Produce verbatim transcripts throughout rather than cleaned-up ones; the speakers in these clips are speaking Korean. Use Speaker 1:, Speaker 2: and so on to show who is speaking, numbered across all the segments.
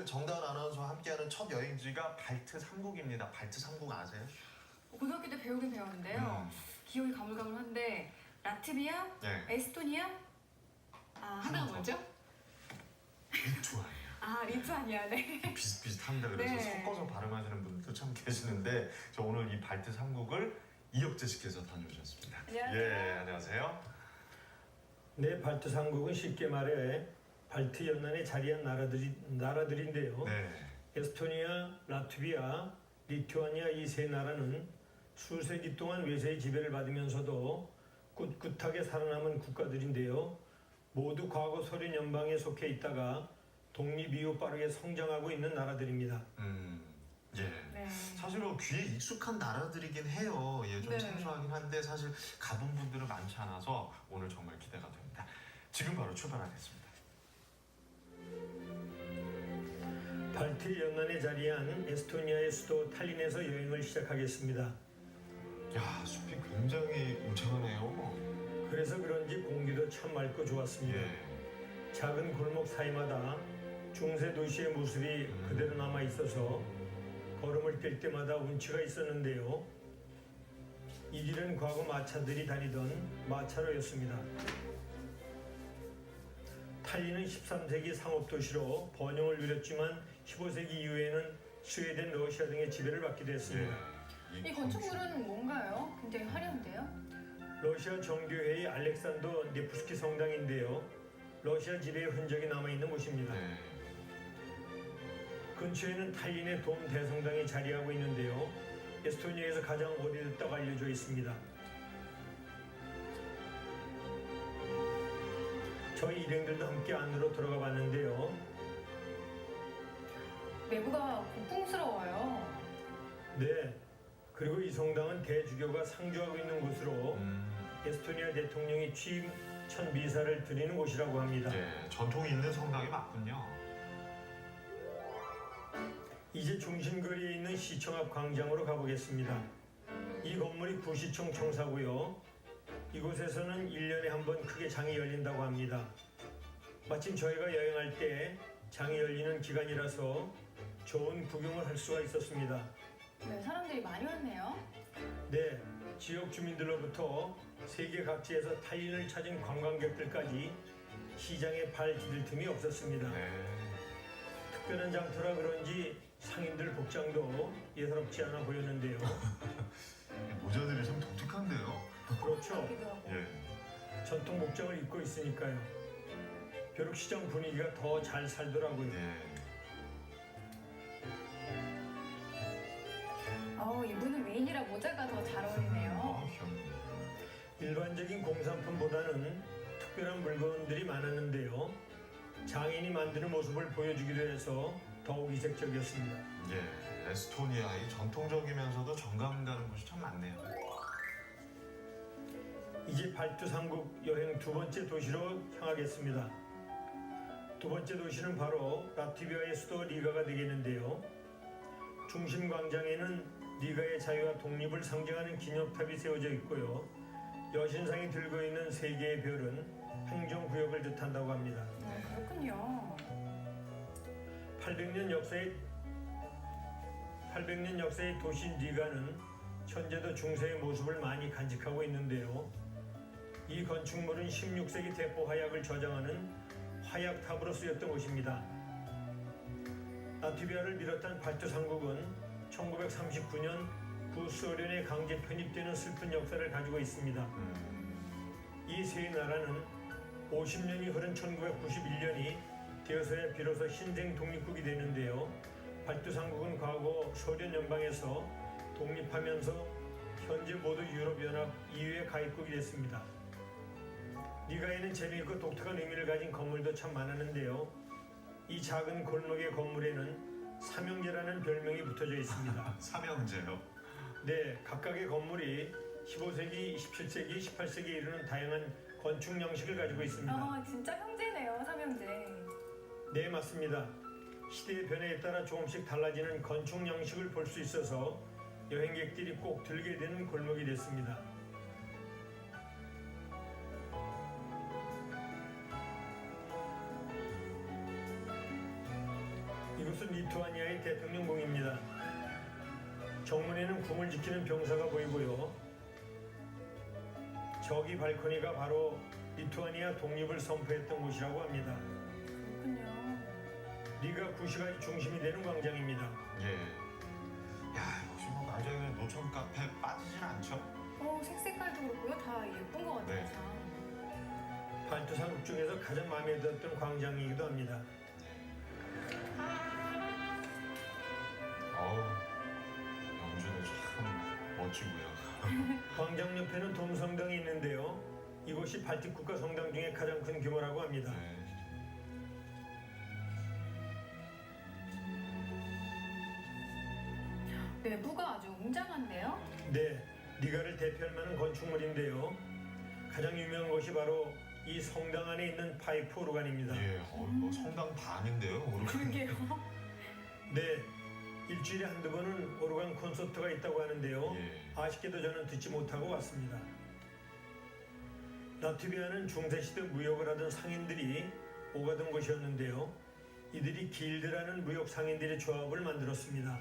Speaker 1: 정다은 아나운서와 함께하는 첫 여행지가 발트 삼 국입니다. 발트 삼 국 아세요?
Speaker 2: 고등학교 때 배우긴 배웠는데요.
Speaker 1: 음.
Speaker 2: 기억이 가물가물한데 라트비아,
Speaker 1: 네.
Speaker 2: 에스토니아, 아 하나가 뭐죠?
Speaker 1: 리투아니아.
Speaker 2: 아 리투아니아, 네.
Speaker 1: 비슷비슷합니다. 그래서
Speaker 2: 네.
Speaker 1: 섞어서 발음하시는 분들도 참 계시는데 저 오늘 이 발트 삼 국을 이혁재 씨께서 다녀오셨습니다.
Speaker 2: 안녕하세요.
Speaker 1: 예, 안녕하세요.
Speaker 3: 네, 발트 삼 국은 쉽게 말해 발트 연안에 자리한 나라들이, 나라들인데요.
Speaker 1: 네.
Speaker 3: 에스토니아, 라트비아, 리투아니아 이 세 나라는 수세기 동안 외세의 지배를 받으면서도 꿋꿋하게 살아남은 국가들인데요. 모두 과거 소련 연방에 속해 있다가 독립 이후 빠르게 성장하고 있는 나라들입니다.
Speaker 1: 음, 예.
Speaker 2: 네.
Speaker 1: 사실은 귀에 익숙한 나라들이긴 해요. 예, 좀
Speaker 2: 네.
Speaker 1: 생소하긴 한데 사실 가본 분들은 많지 않아서 오늘 정말 기대가 됩니다. 지금 바로 출발하겠습니다.
Speaker 3: 발트 연안에 자리한 에스토니아의 수도 탈린에서 여행을 시작하겠습니다.
Speaker 1: 야, 숲이 굉장히 울창하네요.
Speaker 3: 그래서 그런지 공기도 참 맑고 좋았습니다.
Speaker 1: 예.
Speaker 3: 작은 골목 사이마다 중세 도시의 모습이 그대로 남아 있어서 걸음을 뛸 때마다 운치가 있었는데요. 이 길은 과거 마차들이 다니던 마차로였습니다. 탈린은 십삼 세기 상업도시로 번영을 누렸지만 십오 세기 이후에는 스웨덴, 러시아 등의 지배를 받기도 했습니다.
Speaker 1: 예.
Speaker 2: 이 건축물은 뭔가요? 굉장히 화려한데요.
Speaker 3: 러시아 정교회의 알렉산더 네프스키 성당인데요. 러시아 지배의 흔적이 남아있는 곳입니다.
Speaker 1: 네.
Speaker 3: 근처에는 탈린의 돔 대성당이 자리하고 있는데요. 에스토니아에서 가장 오래됐다고 알려져 있습니다. 저희 일행들도 함께 안으로 들어가 봤는데요.
Speaker 2: 내부가 고풍스러워요.
Speaker 3: 네, 그리고 이 성당은 대주교가 상주하고 있는 곳으로
Speaker 1: 음,
Speaker 3: 에스토니아 대통령이 취임 첫 미사를 드리는 곳이라고 합니다.
Speaker 1: 예, 전통이 있는 성당이 맞군요.
Speaker 3: 이제 중심거리에 있는 시청 앞 광장으로 가보겠습니다. 이 건물이 구시청 청사고요. 이곳에서는 일 년에 한 번 크게 장이 열린다고 합니다. 마침 저희가 여행할 때 장이 열리는 기간이라서 좋은 구경을 할 수가 있었습니다.
Speaker 2: 네, 사람들이 많이 왔네요.
Speaker 3: 네, 지역 주민들로부터 세계 각지에서 탈린을 찾은 관광객들까지 시장에 발 디딜 틈이 없었습니다.
Speaker 1: 네.
Speaker 3: 특별한 장터라 그런지 상인들 복장도 예사롭지 않아 보였는데요.
Speaker 1: 모자들이 좀 독특한데요.
Speaker 3: 그렇죠.
Speaker 2: 같기도 하고.
Speaker 1: 예.
Speaker 3: 전통 복장을 입고 있으니까요. 벼룩시장 분위기가 더 잘 살더라고요.
Speaker 1: 예.
Speaker 2: 어, 이분은 메인이라 모자가 더 잘 어울리네요.
Speaker 1: 아, 귀엽네.
Speaker 3: 일반적인 공산품보다는 특별한 물건들이 많았는데요. 장인이 만드는 모습을 보여주기도 해서 더욱 이색적이었습니다.
Speaker 1: 예, 에스토니아의 전통적이면서도 정감 가는 곳이 참 많네요.
Speaker 3: 이제 발트 삼 국 여행 두 번째 도시로 향하겠습니다. 두 번째 도시는 바로 라트비아의 수도 리가가 되겠는데요. 중심 광장에는 리가의 자유와 독립을 상징하는 기념탑이 세워져 있고요. 여신상이 들고 있는 세 개의 별은 행정구역을 뜻한다고 합니다.
Speaker 2: 네, 그렇군요.
Speaker 3: 팔백 년 역사의 팔백 년 역사의 도시 리가는 현재도 중세의 모습을 많이 간직하고 있는데요. 이 건축물은 십육 세기 대포 화약을 저장하는 화약탑으로 쓰였던 곳입니다. 라트비아를 비롯한 발트 삼 국은 천구백삼십구 년 구소련에 강제 편입되는 슬픈 역사를 가지고 있습니다. 이 세 나라는 오십 년이 흐른 천구백구십일 년이 되어서야 비로소 신생 독립국이 되는데요. 발트 삼 국은 과거 소련 연방에서 독립하면서 현재 모두 유럽연합 이유에 가입국이 됐습니다. 리가에는 재미있고 독특한 의미를 가진 건물도 참 많았는데요. 이 작은 골목의 건물에는 삼형제라는 별명이 붙어져 있습니다.
Speaker 1: 삼형제요.
Speaker 3: 네, 각각의 건물이 십오 세기, 십칠 세기, 십팔 세기에 이르는 다양한 건축 양식을 가지고 있습니다.
Speaker 2: 아, 진짜 형제네요, 삼형제.
Speaker 3: 네, 맞습니다. 시대의 변화에 따라 조금씩 달라지는 건축 양식을 볼 수 있어서 여행객들이 꼭 들게 되는 골목이 됐습니다. 이곳은 리투아니아의 대통령궁입니다. 정문에는 궁을 지키는 병사가 보이고요. 저기 발코니가 바로 리투아니아 독립을 선포했던 곳이라고 합니다.
Speaker 2: 그렇군요.
Speaker 3: 리가 구시가 중심이 되는 광장입니다.
Speaker 1: 예. 야, 역시 뭐 굉장히 노천 카페 빠지진 않죠?
Speaker 2: 어, 색색깔도 그렇고요. 다 예쁜 것 같아요,
Speaker 1: 네.
Speaker 2: 참.
Speaker 3: 발트 삼국 중에서 가장 마음에 들었던 광장이기도 합니다.
Speaker 1: 어우, 영주도 참 멋지고요.
Speaker 3: 광장 옆에는 돔성당이 있는데요. 이곳이 발틱 국가 성당 중에 가장 큰 규모라고 합니다.
Speaker 1: 네.
Speaker 2: 내부가 아주 웅장한데요?
Speaker 3: 네, 리가를 대표할 만한 건축물인데요. 가장 유명한 것이 바로 이 성당 안에 있는 파이프 오르간입니다.
Speaker 1: 예, 어, 뭐 성당 반인데요, 오르간.
Speaker 2: 그러게요.
Speaker 3: 네, 일주일에 한두 번은 오르간 콘서트가 있다고 하는데요.
Speaker 1: 예.
Speaker 3: 아쉽게도 저는 듣지 못하고 왔습니다. 라트비아는 중세시대 무역을 하던 상인들이 오가던 곳이었는데요. 이들이 길드라는 무역 상인들의 조합을 만들었습니다.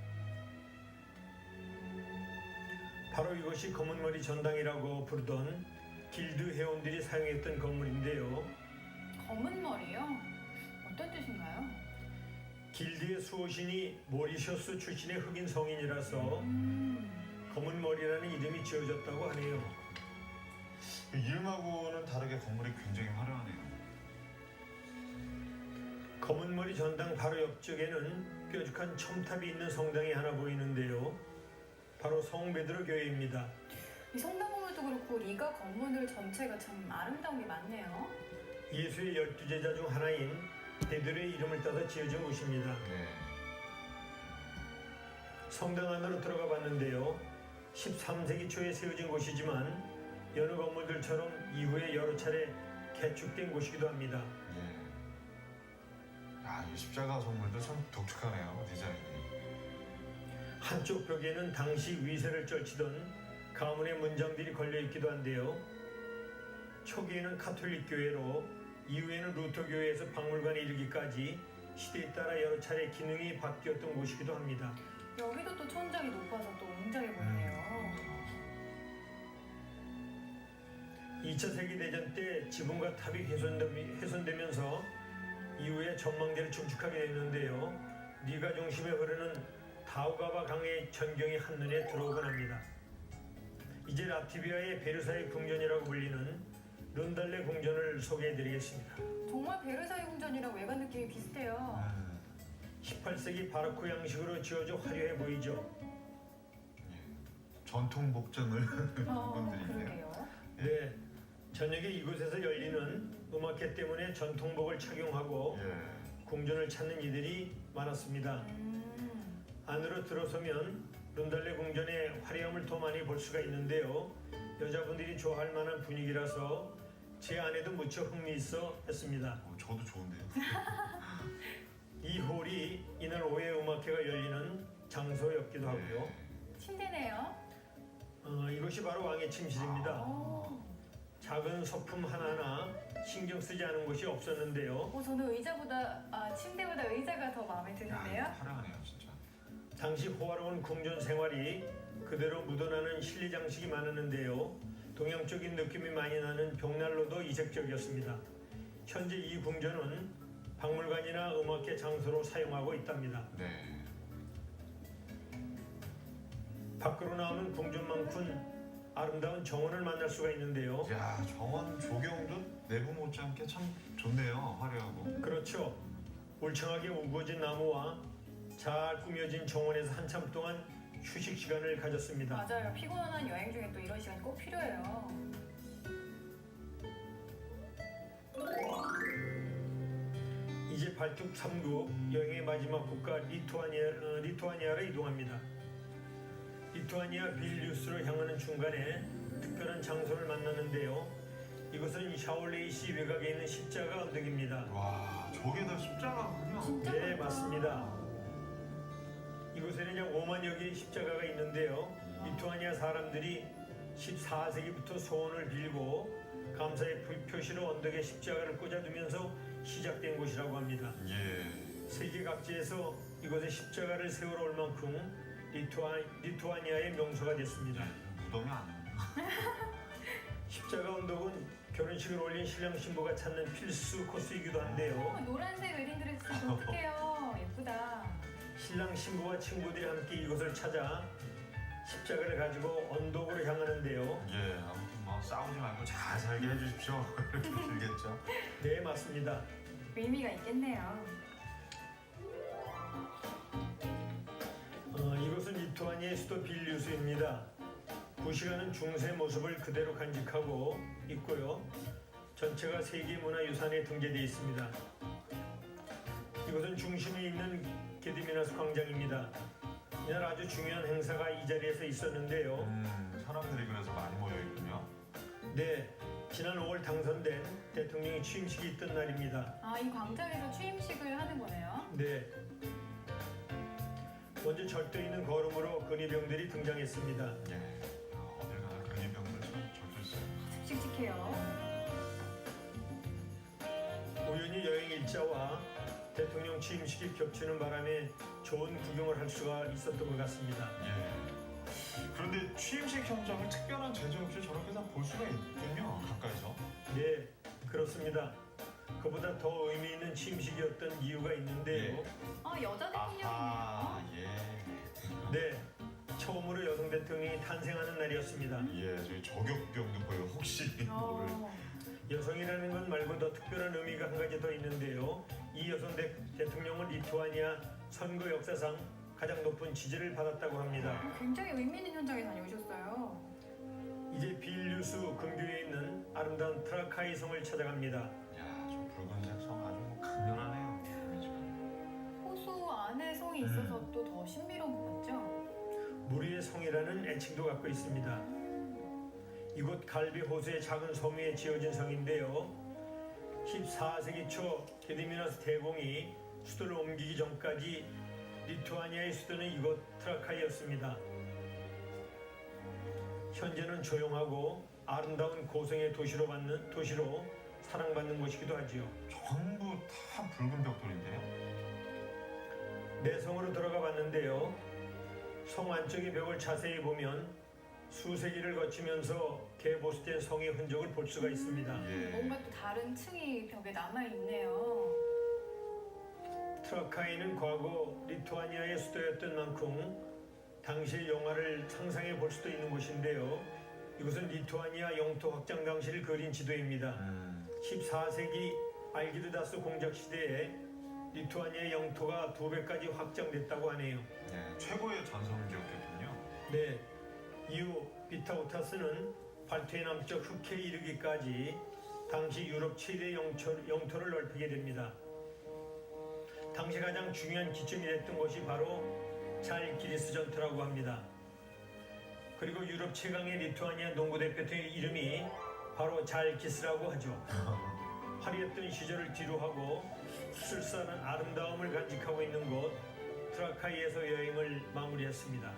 Speaker 3: 바로 이것이 검은머리 전당이라고 부르던 길드 회원들이 사용했던 건물인데요.
Speaker 2: 검은 머리요? 어떤 뜻인가요?
Speaker 3: 길드의 수호신이 모리셔스 출신의 흑인 성인이라서
Speaker 2: 음,
Speaker 3: 검은머리라는 이름이 지어졌다고 하네요.
Speaker 1: 이름하고는 다르게 건물이 굉장히 화려하네요.
Speaker 3: 검은머리 전당 바로 옆쪽에는 뾰족한 첨탑이 있는 성당이 하나 보이는데요. 바로 성베드로 교회입니다.
Speaker 2: 이 성당 건물도 그렇고 리가 건물 전체가 참 아름다운 게 많네요.
Speaker 3: 예수의 열두 제자 중 하나인 베드로의 이름을 따서 지어진 곳입니다.
Speaker 1: 네.
Speaker 3: 성당 안으로 들어가 봤는데요. 십삼 세기 초에 세워진 곳이지만 여느 건물들처럼 이후에 여러 차례 개축된 곳이기도 합니다.
Speaker 1: 예. 야, 이 십자가 선물도 참 독특하네요, 디자인이.
Speaker 3: 한쪽 벽에는 당시 위세를 쩔치던 가문의 문장들이 걸려 있기도 한데요. 초기에는 카톨릭 교회로 이후에는 루터 교회에서 박물관에 이르기까지 시대에 따라 여러 차례 기능이 바뀌었던 곳이기도 합니다.
Speaker 2: 여기도 또 천장이 높아서 또 웅장해 보이네요.
Speaker 3: 이 차 세계대전 때 지붕과 탑이 훼손되- 훼손되면서 이후에 전망대를 중축하게 됐는데요. 리가 중심에 흐르는 다우가바 강의 전경이 한눈에 들어오곤 합니다. 이제 라트비아의 베르사유 궁전이라고 불리는 룬달레 궁전을 소개해드리겠습니다.
Speaker 2: 정말 베르사유 궁전이랑 외관 느낌이 비슷해요.
Speaker 1: 음,
Speaker 3: 십팔 세기 바로크 양식으로 지어져 화려해 보이죠.
Speaker 1: 예. 전통 복장을
Speaker 2: 어,
Speaker 1: 분들이 있네요.
Speaker 2: 그러게요.
Speaker 3: 네, 저녁에 이곳에서 열리는 음악회 때문에 전통복을 착용하고
Speaker 1: 예.
Speaker 3: 궁전을 찾는 이들이 많았습니다.
Speaker 2: 음,
Speaker 3: 안으로 들어서면 룬달레 궁전의 화려함을 더 많이 볼 수가 있는데요. 여자분들이 좋아할 만한 분위기라서 제 아내도 무척 흥미있어 했습니다.
Speaker 1: 어, 저도 좋은데요.
Speaker 3: 이 홀이 이날 오후에 음악회가 열리는 장소였기도 하고요.
Speaker 2: 침대네요.
Speaker 3: 어, 이것이 바로 왕의 침실입니다.
Speaker 2: 어,
Speaker 3: 작은 소품 하나하나 신경 쓰지 않은 곳이 없었는데요.
Speaker 2: 어, 저는 의자보다, 아, 침대보다 의자가 더 마음에
Speaker 1: 야,
Speaker 2: 드는데요.
Speaker 1: 화려하네요, 진짜.
Speaker 3: 당시 호화로운 궁전 생활이 그대로 묻어나는 실내 장식이 많았는데요. 동양적인 느낌이 많이 나는 벽난로도 이색적이었습니다. 현재 이 궁전은 박물관이나 음악회 장소로 사용하고 있답니다.
Speaker 1: 네.
Speaker 3: 밖으로 나오면 궁전만큼 아름다운 정원을 만날 수가 있는데요.
Speaker 1: 야, 정원 조경도 내부 못지않게 참 좋네요, 화려하고.
Speaker 3: 그렇죠. 울창하게 우거진 나무와 잘 꾸며진 정원에서 한참 동안 휴식 시간을 가졌습니다.
Speaker 2: 맞아요. 피곤한 여행 중에 또 이런 시간이 꼭 필요해요.
Speaker 3: 이제 발툭 삼 국 여행의 마지막 국가 리투아니아, 어, 리투아니아로 이동합니다. 리투아니아 빌뉴스로 향하는 중간에 특별한 장소를 만나는데요. 이곳은 샤올레이시 외곽에 있는 십자가 언덕입니다.
Speaker 1: 와, 저게 다 십자가군요.
Speaker 2: 진짜
Speaker 3: 네,
Speaker 2: 많다.
Speaker 3: 맞습니다. 이곳에는 약 오만여 개의 십자가가 있는데요. 리투아니아 사람들이 십사 세기부터 소원을 빌고 감사의 표- 표시로 언덕에 십자가를 꽂아두면서 시작된 곳이라고 합니다.
Speaker 1: 예.
Speaker 3: 세계 각지에서 이곳에 십자가를 세우러 올 만큼 리투아, 리투아니아의 명소가 됐습니다.
Speaker 1: 무덤이 아니에요.
Speaker 3: 십자가 언덕은 결혼식을 올린 신랑 신부가 찾는 필수 코스이기도
Speaker 2: 어,
Speaker 3: 한데요.
Speaker 2: 노란색 웨딩드레스 어떡해요. 예쁘다.
Speaker 3: 신랑 신부와 친구들이 함께 이곳을 찾아 십자가를 가지고 언덕으로 향하는데요.
Speaker 1: 예, 아무튼 뭐 싸우지 말고 잘 살게 해주십시오. 이렇게 들겠죠.
Speaker 3: 네, 맞습니다.
Speaker 2: 의미가 있겠네요.
Speaker 3: 어, 이곳은 리투아니아의 수도 빌뉴스입니다. 구시가는 중세 모습을 그대로 간직하고 있고요. 전체가 세계문화유산에 등재되어 있습니다. 이곳은 중심에 있는 게디미나스 광장입니다. 이날 아주 중요한 행사가 이 자리에서 있었는데요.
Speaker 1: 음, 사람들이 그래서 많이 모여있군요.
Speaker 3: 네, 지난 오월 당선된 대통령이 취임식이 있던 날입니다.
Speaker 2: 아, 이 광장에서 취임식을 하는 거네요.
Speaker 3: 네. 먼저 절도 있는 걸음으로 근위병들이 등장했습니다.
Speaker 1: 예, 어, 어딜 가나 근위병들 참 절도 있어요.
Speaker 2: 씩씩해요.
Speaker 3: 우연히 여행 일자와 대통령 취임식이 겹치는 바람에 좋은 구경을 할 수가 있었던 것 같습니다.
Speaker 1: 예. 그런데 취임식 현장을 특별한 제재 없이 저렇게 다 볼 수가 있군요. 가까이서.
Speaker 3: 네, 그렇습니다. 그보다 더 의미 있는 취임식이었던 이유가 있는데요.
Speaker 2: 아, 여자
Speaker 1: 아하,
Speaker 2: 대통령이네요.
Speaker 1: 예.
Speaker 3: 네, 처음으로 여성 대통령이 탄생하는 날이었습니다.
Speaker 1: 예, 저희 저격병도 보여. 혹시 모를.
Speaker 2: 어,
Speaker 3: 여성이라는 것 말고 더 특별한 의미가 한 가지 더 있는데요. 이 여성 대, 대통령은 리투아니아 선거 역사상 가장 높은 지지를 받았다고 합니다.
Speaker 2: 굉장히 의미 있는 현장에 다녀오셨어요.
Speaker 3: 이제 빌뉴스 근교에 있는 아름다운 트라카이 성을 찾아갑니다.
Speaker 1: 야, 저 붉은색 성 아주 뭐 강렬하네요. 이미지가.
Speaker 2: 호수 안에 성이 있어서 또 더 신비로운 것 같죠?
Speaker 3: 물 위의 성이라는 애칭도 갖고 있습니다. 이곳 갈비 호수의 작은 섬 위에 지어진 성인데요. 십사 세기 초 게디미나스 대공이 수도를 옮기기 전까지 리투아니아의 수도는 이곳 트라카이였습니다. 현재는 조용하고 아름다운 고성의 도시로 받는 도시로 사랑받는 곳이기도 하지요.
Speaker 1: 전부 다 붉은 벽돌인데요.
Speaker 3: 내성으로 들어가 봤는데요. 성 안쪽의 벽을 자세히 보면 수세기를 거치면서 개보수된 성의 흔적을 볼 수가 있습니다.
Speaker 1: 예.
Speaker 2: 뭔가 또 다른 층이 벽에 남아있네요.
Speaker 3: 트라카이는 과거 리투아니아의 수도였던 만큼 당시의 영화를 상상해 볼 수도 있는 곳인데요. 이곳은 리투아니아 영토 확장 당시를 그린 지도입니다.
Speaker 1: 음,
Speaker 3: 십사 세기 알기르다스 공작 시대에 리투아니아의 영토가 두 배까지 확장됐다고 하네요.
Speaker 1: 예, 최고의 전성기였겠군요.
Speaker 3: 네, 이후 비타우타스는 발트의 남쪽 흑해에 이르기까지 당시 유럽 최대 영토, 영토를 넓히게 됩니다. 당시 가장 중요한 기점이 됐던 것이 바로 잘기리스 전투라고 합니다. 그리고 유럽 최강의 리투아니아 농구 대표팀의 이름이 바로 잘기스라고 하죠. 화려했던 시절을 뒤로하고 수술사는 아름다움을 간직하고 있는 곳 트라카이에서 여행을 마무리했습니다.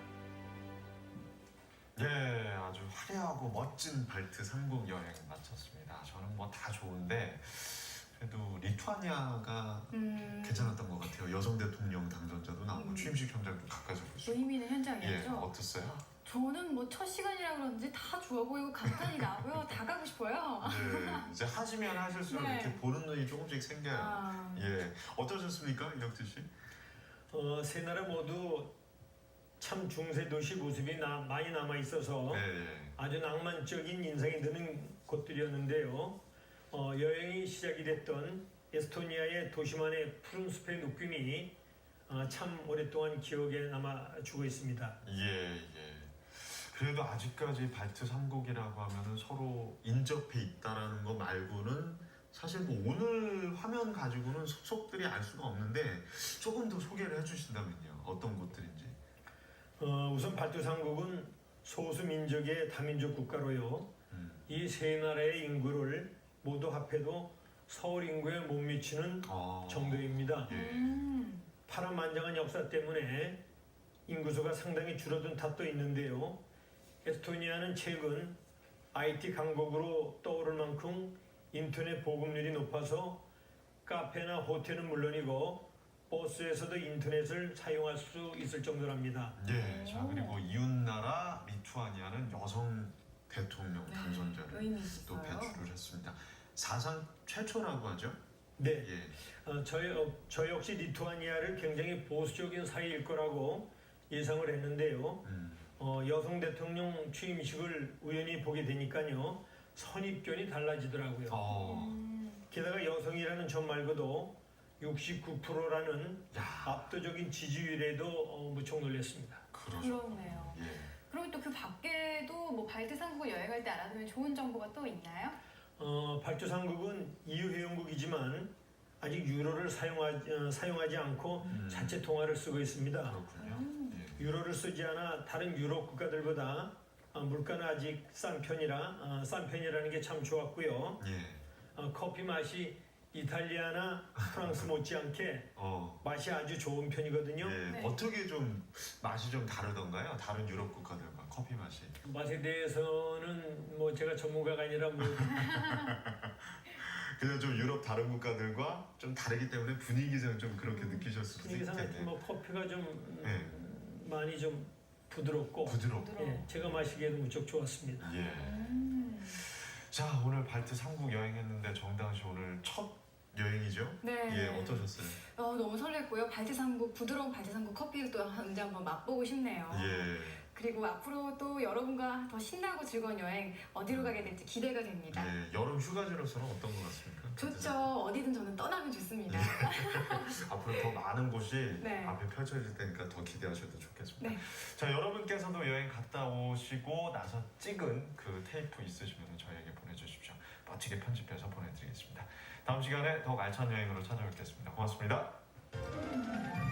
Speaker 1: 예, 아주 화려하고 멋진 발트 삼국 여행 마쳤습니다. 저는 뭐 다 좋은데 그래도 리투아니아가
Speaker 2: 음,
Speaker 1: 괜찮았던 것 같아요. 여성 대통령 당선자도 나오고
Speaker 2: 음.
Speaker 1: 취임식 현장도 가까이서 볼 수 있고.
Speaker 2: 의미 있는
Speaker 1: 예,
Speaker 2: 현장이었죠?
Speaker 1: 어땠어요?
Speaker 2: 저는 뭐 첫 시간이라 그런지 다 좋아 보이고 감탄이 나고요. 다 가고 싶어요.
Speaker 1: 네, 이제 하시면 하실수록
Speaker 2: 네.
Speaker 1: 이렇게 보는 눈이 조금씩 생겨요.
Speaker 2: 아,
Speaker 1: 예, 어떠셨습니까, 이혁재 씨?
Speaker 3: 어, 세 나라 모두 참 중세 도시 모습이 나, 많이 남아 있어서
Speaker 1: 네, 예.
Speaker 3: 아주 낭만적인 인상이 드는 곳들이었는데요. 어, 여행이 시작이 됐던 에스토니아의 도시만의 푸른 숲의 느낌이 어, 참 오랫동안 기억에 남아주고 있습니다.
Speaker 1: 예, 예. 그래도 아직까지 발트 삼국이라고 하면은 서로 인접해 있다라는 거 말고는 사실 뭐 오늘 화면 가지고는 속속들이 알 수가 없는데 조금 더 소개를 해주신다면요. 어떤 곳들인지.
Speaker 3: 어, 우선 발트 삼국은 소수 민족의 다민족 국가로요.
Speaker 1: 음.
Speaker 3: 이 세 나라의 인구를 모두 합해도 서울 인구에 못 미치는
Speaker 1: 아,
Speaker 3: 정도입니다.
Speaker 1: 예.
Speaker 2: 음,
Speaker 3: 파란만장한 역사 때문에 인구수가 상당히 줄어든 탓도 있는데요. 에스토니아는 최근 아이티 강국으로 떠오를 만큼 인터넷 보급률이 높아서 카페나 호텔은 물론이고 버스에서도 인터넷을 사용할 수 있을 정도랍니다.
Speaker 1: 예. 자, 그리고 이웃나라 리투아니아는 여성 대통령
Speaker 2: 네,
Speaker 1: 당선자를
Speaker 2: 의미
Speaker 1: 또
Speaker 2: 있어요.
Speaker 1: 배출을 했습니다. 사상 최초라고 하죠?
Speaker 3: 네,
Speaker 1: 예.
Speaker 3: 어, 저, 어, 저 역시 리투아니아를 굉장히 보수적인 사회일 거라고 예상을 했는데요.
Speaker 1: 음.
Speaker 3: 어, 여성 대통령 취임식을 우연히 보게 되니까요. 선입견이 달라지더라고요.
Speaker 1: 어.
Speaker 2: 음,
Speaker 3: 게다가 여성이라는 점 말고도 육십구 퍼센트라는
Speaker 1: 야,
Speaker 3: 압도적인 지지율에도 어, 무척 놀랐습니다.
Speaker 1: 그러죠.
Speaker 2: 그렇네요.
Speaker 1: 예.
Speaker 2: 그럼 또 그 밖에도 뭐 발트 삼국을 여행할 때 알아두면 좋은 정보가 또 있나요?
Speaker 3: 어, 발주상국은 이유 회원국이지만 아직 유로를 사용하지, 어, 사용하지 않고
Speaker 1: 음.
Speaker 3: 자체 통화를 쓰고 있습니다.
Speaker 1: 그렇군요.
Speaker 2: 음.
Speaker 1: 예.
Speaker 3: 유로를 쓰지 않아 다른 유럽 국가들보다 어, 물가는 아직 싼 편이라 어, 싼 편이라는 게 참 좋았고요.
Speaker 1: 예.
Speaker 3: 어, 커피 맛이 이탈리아나 프랑스 못지않게
Speaker 1: 어.
Speaker 3: 맛이 아주 좋은 편이거든요.
Speaker 1: 예.
Speaker 2: 네.
Speaker 1: 어떻게 좀 맛이 좀 다르던가요? 다른 유럽 국가들과 커피 맛이.
Speaker 3: 맛에 대해서는 뭐 제가 전문가가 아니라 뭐
Speaker 1: 그냥 좀 유럽 다른 국가들과 좀 다르기 때문에 분위기상 좀 그렇게 느끼셨을 수도
Speaker 3: 분위기상
Speaker 1: 있을
Speaker 3: 하여튼
Speaker 1: 텐데.
Speaker 3: 뭐 커피가 좀 음,
Speaker 1: 네.
Speaker 3: 많이 좀 부드럽고
Speaker 1: 부드럽고.
Speaker 2: 부드러워.
Speaker 3: 예, 제가 마시기에도 무척 좋았습니다.
Speaker 1: 예.
Speaker 2: 음.
Speaker 1: 자, 오늘 발트 삼국 여행했는데 정당 씨 오늘 첫 여행이죠?
Speaker 2: 네.
Speaker 1: 예, 어떠셨어요?
Speaker 2: 어, 너무 설렜고요. 발트 삼국, 부드러운 발트 삼국 커피를 또 언제 한번 맛보고 싶네요.
Speaker 1: 예.
Speaker 2: 그리고 앞으로 또 여러분과 더 신나고 즐거운 여행 어디로 가게 될지 기대가 됩니다.
Speaker 1: 예. 여름 휴가지로서는 어떤 것 같습니까?
Speaker 2: 좋죠. 어디든 저는 떠나면 좋습니다.
Speaker 1: 앞으로 더 많은 곳이
Speaker 2: 네.
Speaker 1: 앞에 펼쳐질 테니까 더 기대하셔도 좋겠습니다.
Speaker 2: 네.
Speaker 1: 자, 여러분께서도 여행 갔다 오시고 나서 찍은 그 테이프 있으시면 저희에게 보내주십시오. 멋지게 편집해서 보내드리겠습니다. 다음 시간에 더욱 알찬 여행으로 찾아뵙겠습니다. 고맙습니다.